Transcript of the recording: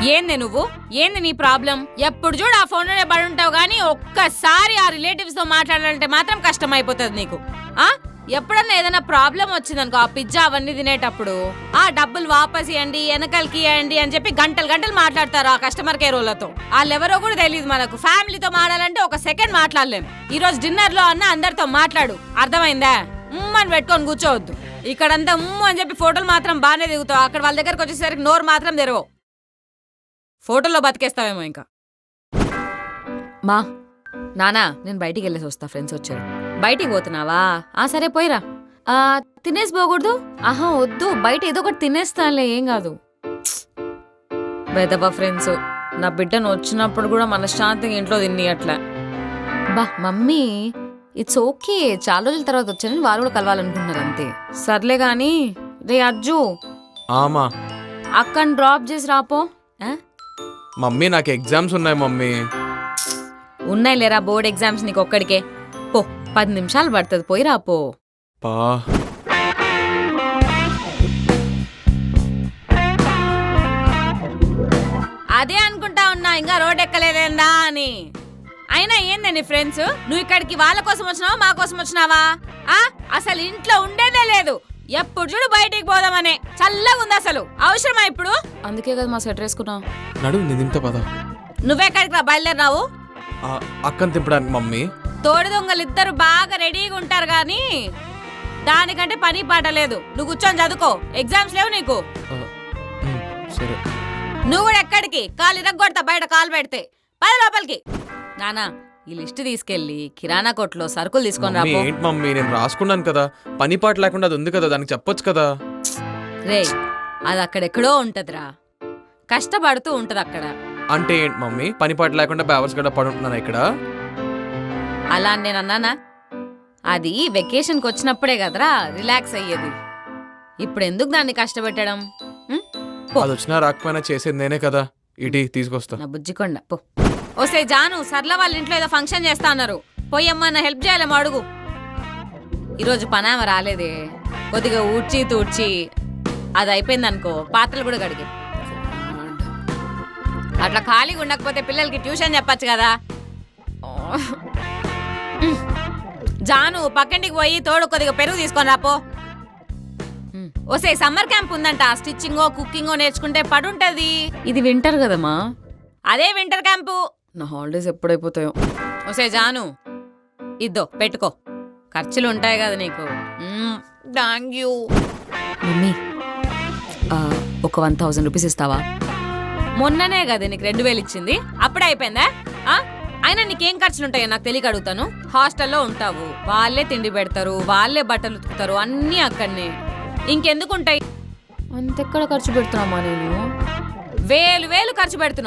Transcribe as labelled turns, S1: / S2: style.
S1: ఏంది నువ్వు? ఏంది నీ ప్రాబ్లం? ఎప్పుడు చూడు ఆ ఫోన్లోనే పడి ఉంటావు గానీ ఒక్కసారి ఆ రిలేటివ్స్ తో మాట్లాడాలంటే మాత్రం కష్టం అయిపోతుంది నీకు. ఎప్పుడన్నా ఏదైనా ప్రాబ్లం వచ్చిందనుకో ఆ పిజ్జా అవన్నీ తినేటప్పుడు ఆ డబ్బులు వాపస్ ఇవ్వండి, వెనకాలకి ఇవ్వండి అని చెప్పి గంటలు గంటలు మాట్లాడతారు ఆ కస్టమర్ కేర్ వాళ్ళతో. వాళ్ళెవరో కూడా తెలియదు మనకు. ఫ్యామిలీతో మాట్లాడాలంటే ఒక సెకండ్ మాట్లాడలేం. ఈ రోజు డిన్నర్ లో అన్న అందరితో మాట్లాడు, అర్థమైందా? అని పెట్టుకొని కూర్చోవద్దు. ఇక్కడంతా అని చెప్పి ఫోటోలు మాత్రం బాగానే దిగుతావు, అక్కడ వాళ్ళ దగ్గరకు వచ్చేసరికి నోరు మాత్రం తెరవవు. ఫోటోల్లో బతికేస్తావేమో ఇంకా. మా నానా నేను బయటికి వెళ్ళేసి వస్తా, ఫ్రెండ్స్ వచ్చారు. బయటికి పోతున్నావా? సరే పోయిరా. తినేసి పోకూడదు? వద్దు, బయట ఏదో ఒకటి తినేస్తానులే, ఏం కాదు. బెదబా ఫ్రెండ్స్, నా బిడ్డను వచ్చినప్పుడు కూడా మనశ్శాంతిగా ఇంట్లో తిని అట్లా. బా మమ్మీ ఇట్స్ ఓకే, చాలా రోజుల తర్వాత వచ్చానని వాళ్ళు కూడా కలవాలనుకుంటున్నారు అంతే. సర్లే గాని రే అజ్జు, అక్కని డ్రాప్ చేసి రాపో.
S2: మమ్మీ నాకు ఎగ్జామ్స్ ఉన్నాయి మమ్మీ.
S1: ఉన్నాయి లేరా బోర్డ్ ఎగ్జామ్స్ నీకు ఒక్కడికే. పో 10 నిమిషాలు పడుతుంది, పోయి రాపో. అదే అనుకుంటా ఉన్నా ఇంకా రోడ్ ఎక్కలేదేందా అని. అయినా ఏందండి ఫ్రెండ్స్, నువ్వు ఇక్కడికి వాళ్ళ కోసం వచ్చినావా మా కోసం వచ్చినావా? అసలు ఇంట్లో ఉండేదే లేదు, ఎప్పుడు చూడు బయటికి పోదామనే. చల్లగా ఉంది అసలు, అవసరమా ఇప్పుడు? అందుకే కదా మా స్వెటర్ వేసుకున్నావు. నువ్వెక్కడికి రా బయలుదేరినావు?
S2: అక్కని తింపడానికి మమ్మీ.
S1: తోడు దొంగలు ఇద్దరు బాగా రెడీగా ఉంటారు గాని దానికంటే పని పాట లేదు. నువ్వు కూర్చొని చదువుకో, ఎగ్జామ్స్ లేవు నీకు. నువ్వు కూడా ఎక్కడికి? కాలు ఇరగొడతా బయట కాలు పెడితే. 10 లోపలికి. నానా ఈ లిస్ట్ తీసుకెళ్లి కిరాణా కొట్లో సరుకులు తీసుకొని రా.
S2: ఏంటి మమ్మీ, నేను రాసుకున్నాను కదా, పని పాట లేకుండా అది ఉంది కదా, దానికి చెప్పొచ్చు కదా.
S1: రే అది అక్కడెక్కడో ఉంటదిరా, కష్టపడుతూ ఉంటది అక్కడ.
S2: అంటే ఏంటి మమ్మీ, పని పాట లేకుండా బ్యావర్స్ గడ పడుంటున్నాను ఇక్కడ?
S1: అలా నేను అన్నానా? అది వెకేషన్కి వచ్చినప్పుడే కదరా రిలాక్స్ అయ్యేది. ఇప్పుడు ఎందుకు దాన్ని కష్టపెట్టడం?
S2: అది వచ్చినా రాకపోయినా చేసేది నేనే కదా. ఇటీ తీసుకొస్తా.
S1: నా బుజ్జికొండ పో. ఓసే జాను, సర్ల వాళ్ళ ఇంట్లో ఏదో ఫంక్షన్ చేస్తా అన్నారు, పోయమ్మా హెల్ప్ చేయాలేమో అడుగు. ఈరోజు పనామ రాలేదే, కొద్దిగా ఊడ్చి తూడ్చి అది అయిపోయింది అనుకో, పాత్రలు కూడా కడిగి. అట్లా ఖాళీగా ఉండకపోతే పిల్లలకి ట్యూషన్ చెప్పచ్చు కదా. జాను పక్కింటికి పోయి తోడు కొద్దిగా పెరుగు తీసుకొని రాపో. ఓసే సమ్మర్ క్యాంప్ ఉందంట, స్టిచ్చింగో కుకింగో నేర్చుకుంటే పడుంటది. ఇది వింటర్ కదమ్మా. అదే వింటర్ క్యాంపు. నా హాలిడేస్ ఎప్పుడైపోతాయో. ఓసే జాను ఇద్దో పెట్టుకో, ఖర్చులు ఉంటాయి కదా నీకు. Thank you mummy. ఒక 1000 రూపీస్ ఇస్తావా? మొన్ననే కదా నీకు 2000 ఇచ్చింది, అప్పుడే అయిపోయిందా? అయినా నీకేం ఖర్చులుంటాయో నాకు తెలియక అడుగుతాను. హాస్టల్లో ఉంటావు, వాళ్ళే తిండి పెడతారు, వాళ్ళే బట్టలు ఉతుకుతారు, అన్నీ అక్కడనే. ఇంకెందుకుంటాయి? అంతెక్కడ ఖర్చు పెడుతున్నామా నేను? వేలు ఖర్చు పెడుతున్నావు.